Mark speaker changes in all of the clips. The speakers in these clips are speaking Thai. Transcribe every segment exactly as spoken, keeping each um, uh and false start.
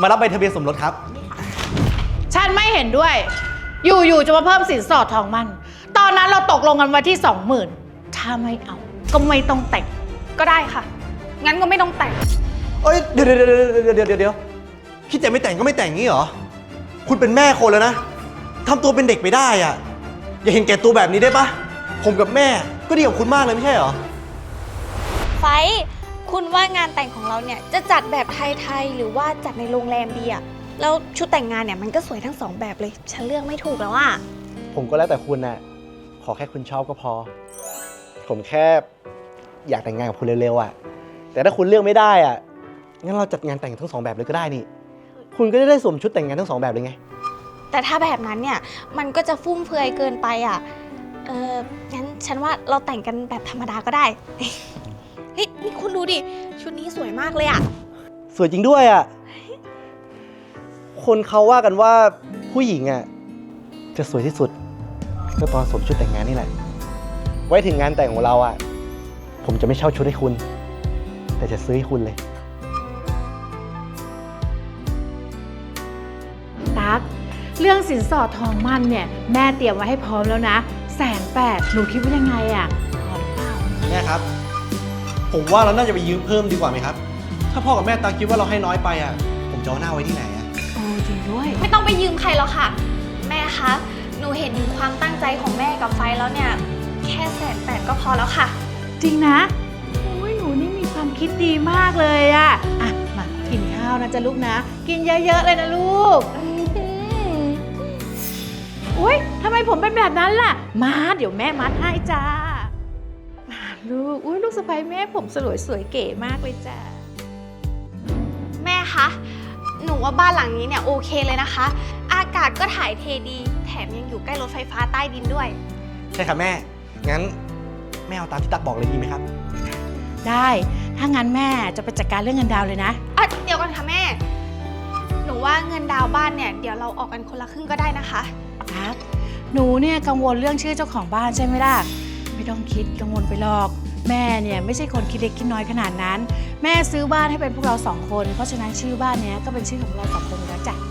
Speaker 1: มารับใบทะเบียนสมรสครับ
Speaker 2: ฉันไม่เห็นด้วย อยู่ๆจะมาเพิ่มสินสอดทองมันตอนนั้นเราตกลงกันไว้ที่สองหมื่นถ้าไม่เอาก็ไม่ต้องแต่ง
Speaker 3: ก็ได้ค่ะงั้นก็ไม่ต้องแต่ง
Speaker 1: เอ้ยเดี๋ยวเดี๋ยวเดี๋ยวเดี๋ยวเดี๋ยวเดี๋ยวคิดจะไม่แต่งก็ไม่แต่งงี้เหรอคุณเป็นแม่คนแล้วนะทำตัวเป็นเด็กไปได้อ่ะอย่าเห็นแก่ตัวแบบนี้ได้ปะผมกับแม่ก็ดีกับคุณมากเลยไม่ใช่เหรอ
Speaker 4: ไฟคุณว่างานแต่งของเราเนี่ยจะจัดแบบไทยๆหรือว่าจัดในโรงแรมดีอะแล้วชุดแต่งงานเนี่ยมันก็สวยทั้งสองแบบเลยฉันเลือกไม่ถูกแล้วอะ
Speaker 1: ผมก็แล้วแต่คุณน่ะขอแค่คุณชอบก็พอผมแค่อยากแต่งงานกับคุณเร็วๆอ่ะแต่ถ้าคุณเลือกไม่ได้อ่ะงั้นเราจัดงานแต่งทั้งสองแบบเลยก็ได้นี่คุณก็จะได้สวมชุดแต่งงานทั้งสองแบบเลยไง
Speaker 4: แต่ถ้าแบบนั้นเนี่ยมันก็จะฟุ่มเฟือยเกินไปอ่ะเอองั้นฉันว่าเราแต่งกันแบบธรรมดาก็ได้เฮ้ยนี่คุณดูดิชุดนี้สวยมากเลยอ่ะ
Speaker 1: สวยจริงด้วยอ่ะคนเขาว่ากันว่าผู้หญิงอ่ะจะสวยที่สุดก็ตอนสวมชุดแต่งงานนี่แหละไว้ถึงงานแต่งของเราอ่ะผมจะไม่เช่าชุดให้คุณแต่จะซื้อให้คุณเลย
Speaker 2: ตั๊กเรื่องสินสอดทองมั่นเนี่ยแม่เตรียมไว้ให้พร้อมแล้วนะแสนแปดหนูคิดว่ายังไงอ่ะพอหรือเปล่า
Speaker 1: แม่ครับผมว่าเราน่าจะไปยืมเพิ่มดีกว่าไหมครับถ้าพ่อกับแม่ตั๊กคิดว่าเราให้น้อยไปอ่ะผมจะเอาหน้าไว้ที่ไหนอ่ะ
Speaker 2: โอ้จริงด้วย
Speaker 4: ไม่ต้องไปยืมใครหรอกค่ะแม่คะหนูเห็นถึงความตั้งใจของแม่กับไฟแล้วเนี่ยแค่แสนแปดก็พอแล้วค่ะ
Speaker 2: จริงนะโอ้ยหนูนี่มีความคิดดีมากเลยอะอ่ะมากินข้าวนะจ๊ะลูกนะกินเยอะๆเลยนะลูกอุ้ยทำไมผมเป็นแบบนั้นล่ะมาเดี๋ยวแม่มัดให้จ้าลูกอุ้ยลูกสะใภ้แม่ผมสวยสวยเก๋มากเลยจ้า
Speaker 4: แม่คะหนูว่าบ้านหลังนี้เนี่ยโอเคเลยนะคะอากาศก็ถ่ายเทดีแถมยังอยู่ใกล้รถไฟฟ้าใต้ดินด้วย
Speaker 1: ใช่ค่ะแม่งั้นแม่เอาตามที่ตั๊กบอกเลยดีไหมครับ
Speaker 2: ได้ถ้างั้นแม่จะไปจัดการเรื่องเงินดาวเลยนะ
Speaker 4: อ่ะเดี๋ยวก่อนค่ะแม่หนูว่าเงินดาวบ้านเนี่ยเดี๋ยวเราออกกันคนละครึ่งก็ได้นะคะ
Speaker 2: ครับหนูเนี่ยกังวลเรื่องชื่อเจ้าของบ้านใช่ไหมล่ะไม่ต้องคิดกังวลไปหรอกแม่เนี่ยไม่ใช่คนคิดเล็กคิดน้อยขนาดนั้นแม่ซื้อบ้านให้เป็นพวกเราสองคนเพราะฉะนั้นชื่อบ้านเนี้ยก็เป็นชื่อของเราสองคนแล้วจ้ะ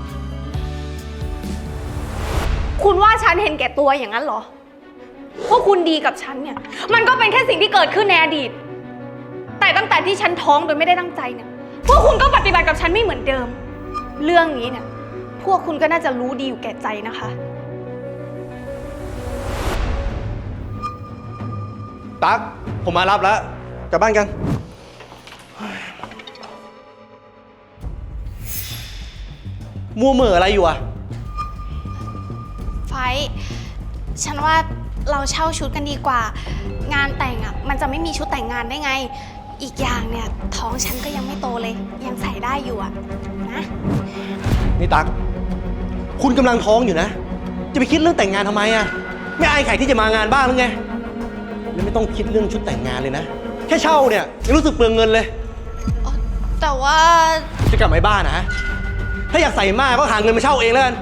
Speaker 3: คุณว่าฉันเห็นแก่ตัวอย่างนั้นเหรอพวกคุณดีกับฉันเนี่ยมันก็เป็นแค่สิ่งที่เกิดขึ้นในอดีตแต่ตั้งแต่ที่ฉันท้องโดยไม่ได้ตั้งใจเนี่ยพวกคุณก็ปฏิบัติกับฉันไม่เหมือนเดิมเรื่องนี้เนี่ยพวกคุณก็น่าจะรู้ดีอยู่แก่ใจนะคะ
Speaker 1: ตั๊กผมมารับแล้วกลับบ้านกันมัวเหม่ออะไรอยู่อะ
Speaker 4: ไฟฉันว่าเราเช่าชุดกันดีกว่างานแต่งอ่ะมันจะไม่มีชุดแต่งงานได้ไงอีกอย่างเนี่ยท้องฉันก็ยังไม่โตเลยยังใส่ได้อยู่อ่ะนะ
Speaker 1: นี่ตั๊กคุณกำลังท้องอยู่นะจะไปคิดเรื่องแต่งงานทำไมอะไม่อายใครที่จะมางานบ้างหรือไงแล้วไม่ต้องคิดเรื่องชุดแต่งงานเลยนะแค่เช่าเนี่ยยังรู้สึกเปลืองเงินเลย
Speaker 4: แต่ว่า
Speaker 1: จะกลับมาบ้านนะถ้าอยากใส่มากก็หาเงินมาเช่าเองแล้วกัน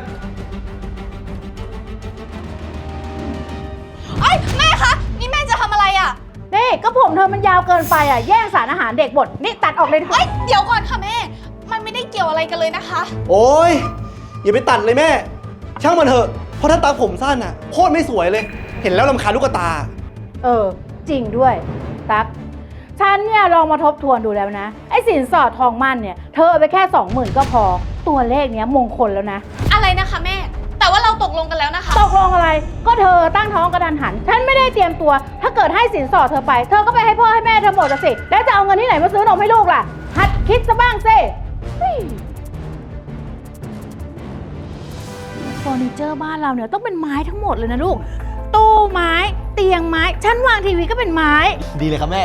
Speaker 4: เอ้ยแม่คะนี่แม่จะทำอะไรอ่ะ
Speaker 2: นี่ก็ผมเธอมันยาวเกินไปอ่ะแย่งสารอาหารเด็กหมดนี่ตัดออกเลย
Speaker 4: เฮ้ยเดี๋ยวก่อนค่ะแม่มันไม่ได้เกี่ยวอะไรกันเลยนะคะ
Speaker 1: โอ๊ยอย่าไปตัดเลยแม่ช่างมันเถอะเพราะถ้าตาผมสั้นอ่ะโคตรไม่สวยเลยเห็นแล้วรำคาญลูกตา
Speaker 2: เออจริงด้วยตั๊กฉันเนี่ยลองมาทบทวนดูแล้วนะไอ้สินสอดทองมั่นเนี่ยเธอเอาไปแค่สองหมื่นก็พอตัวเลขเนี้ยมงคลแล้วนะ
Speaker 4: อะไรนะคะแม่แต่ว่าเราตกลงกันแล้วนะคะ
Speaker 2: ตกลงอะไรก็เธอตั้งท้องกระทันหันฉันไม่ได้เตรียมตัวถ้าเกิดให้สินสอดเธอไปเธอก็ไปให้พ่อให้แม่เธอหมดสิแล้วจะเอาเงินที่ไหนมาซื้อนมให้ลูกล่ะหัดคิดซะบ้างสิเฟอร์นิเจอร์บ้านเราเนี่ยต้องเป็นไม้ทั้งหมดเลยนะลูกตู้ไม้เตียงไม้ชั้นวางทีวีก็เป็นไม้
Speaker 1: ดีเลยครับแม่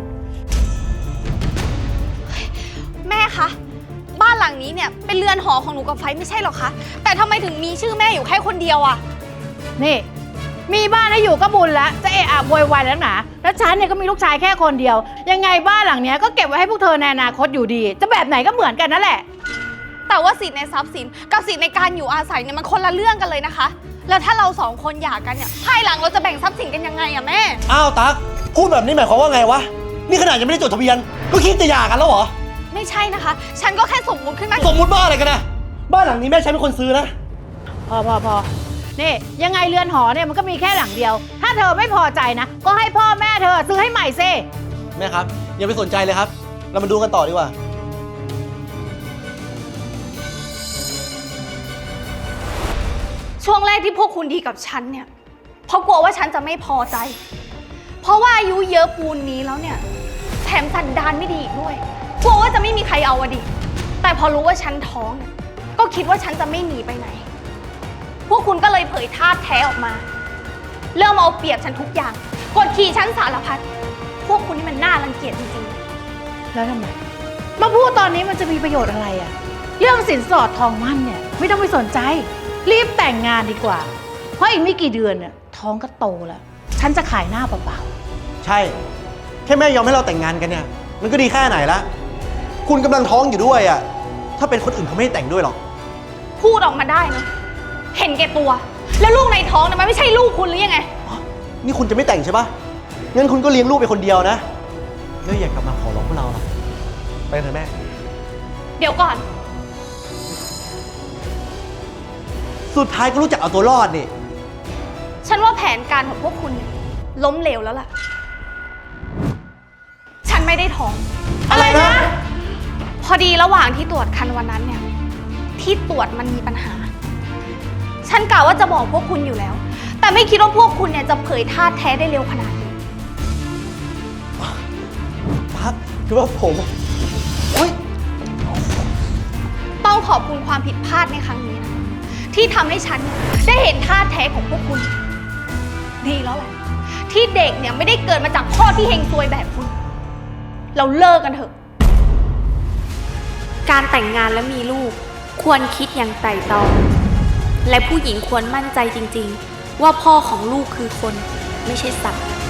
Speaker 4: แม่คะบ้านหลังนี้เนี่ยเป็นเรือนหอของหนูกับไฟไม่ใช่หรอคะแต่ทำไมถึงมีชื่อแม่อยู่แค่คนเดียวอะ
Speaker 2: นี่มีบ้านให้อยู่ก็บุญแล้วจะเอะอะโวยวายแล้วนะแล้วฉันเนี่ยก็มีลูกชายแค่คนเดียวยังไงบ้านหลังเนี้ยก็เก็บไว้ให้พวกเธอในอนาคตอยู่ดีจะแบบไหนก็เหมือนกันนั่นแหละ
Speaker 4: แต่ว่าสิทธิในทรัพย์สินกับสิทธิในการอยู่อาศัยเนี่ยมันคนละเรื่องกันเลยนะคะแล้วถ้าเราสองคนหย่ากันเนี่ยภายหลังเราจะแบ่งทรัพย์สินกันยังไงอะแม่
Speaker 1: อ้าวตั๊กพูดแบบนี้หมายความว่าไงวะนี่ขนาดยังไม่ได้จดทะเบียนก็คิดจะหย่ากันแล้วเหรอ
Speaker 4: ไม่
Speaker 3: ใช่นะคะ ฉันก็แค่สมมุติขึ้นมา
Speaker 1: สมมุติบ้าอะไรกันนะบ้านหลังนี้แม่ฉันเป็นคนซื้อนะ
Speaker 2: พอพอพอนี่ยังไงเรือนหอเนี่ยมันก็มีแค่หลังเดียว ถ้าเธอไม่พอใจนะ ก็ให้พ่อแม่เธอซื้อให้ใหม่ซิ
Speaker 1: แม่ครับอย่าไปสนใจเลยครับ เรามาดูกันต่อดีกว่า
Speaker 3: ช่วงแรกที่พวกคุณดีกับฉันเนี่ย เพราะกลัวว่าฉันจะไม่พอใจ เพราะว่าอายุเยอะปูนนี้แล้วเนี่ย แถมสันดานไม่ดีอีกด้วย กลัวว่าจะไม่มีใครเอาอะดิ แต่พอรู้ว่าฉันท้องเนี่ย ก็คิดว่าฉันจะไม่หนีไปไหน พวกคุณก็เลยเผยท่าแท้ออกมา เริ่มเอาเปรียบฉันทุกอย่าง กดขี่ฉันสารพัด พวกคุณนี่มันน่ารังเกียจจริงๆ
Speaker 2: แล้วทำไมมาพูดตอนนี้มันจะมีประโยชน์อะไรอะเรื่องสินสอดทองมั่นเนี่ยไม่ต้องไปสนใจ รีบแต่งงานดีกว่า เพราะอีกไม่กี่เดือนเนี่ยท้องก็โตแล้ว ฉันจะขายหน้าเปล่า
Speaker 1: ใช่ แค่แม่ยอมให้เราแต่งงานกันเนี่ย มันก็ดีแค่ไหนละคุณกำลังท้องอยู่ด้วยอ่ะ ถ้าเป็นคนอื่นเขาไม่ให้แต่งด้วยหรอก
Speaker 3: พูดออกมาได้นะ เห็นแก่ตัว แล้วลูกในท้องเนี่ยมันไม่ใช่ลูกคุณหรือยังไง
Speaker 1: นี่คุณจะไม่แต่งใช่ปะงั้นคุณก็เลี้ยงลูกไปคนเดียวนะ แล้วอย่ากลับมาขอร้องพวกเราหรอกไปกันเถอะแม่
Speaker 3: เดี๋ยวก่อน
Speaker 1: สุดท้ายก็รู้จักเอาตัวรอดนี่
Speaker 3: ฉันว่าแผนการของพวกคุณเนี่ยล้มเหลวแล้วล่ะ ฉันไม่ได้ท้อง
Speaker 1: อะไรนะ
Speaker 3: พอดีระหว่างที่ตรวจคันวันนั้นเนี่ย ที่ตรวจมันมีปัญหา ฉันกะว่าจะบอกพวกคุณอยู่แล้ว แต่ไม่คิดว่าพวกคุณเนี่ยจะเผยท่าแท้ได้เร็วขนาดนี้
Speaker 1: พักคือว่าผมโอ๊ย
Speaker 3: ต้องขอบคุณความผิดพลาดในครั้งนี้นะที่ทำให้ฉันเนี่ยได้เห็นท่าแท้ของพวกคุณ ดีแล้วแหละที่เด็กเนี่ยไม่ได้เกิดมาจากพ่อที่เฮงซวยแบบคุณ เราเลิกกันเถอะ
Speaker 4: การแต่งงานและมีลูกควรคิดอย่างไตร่ตรอง และผู้หญิงควรมั่นใจจริงๆ ว่าพ่อของลูกคือคนไม่ใช่สัตว์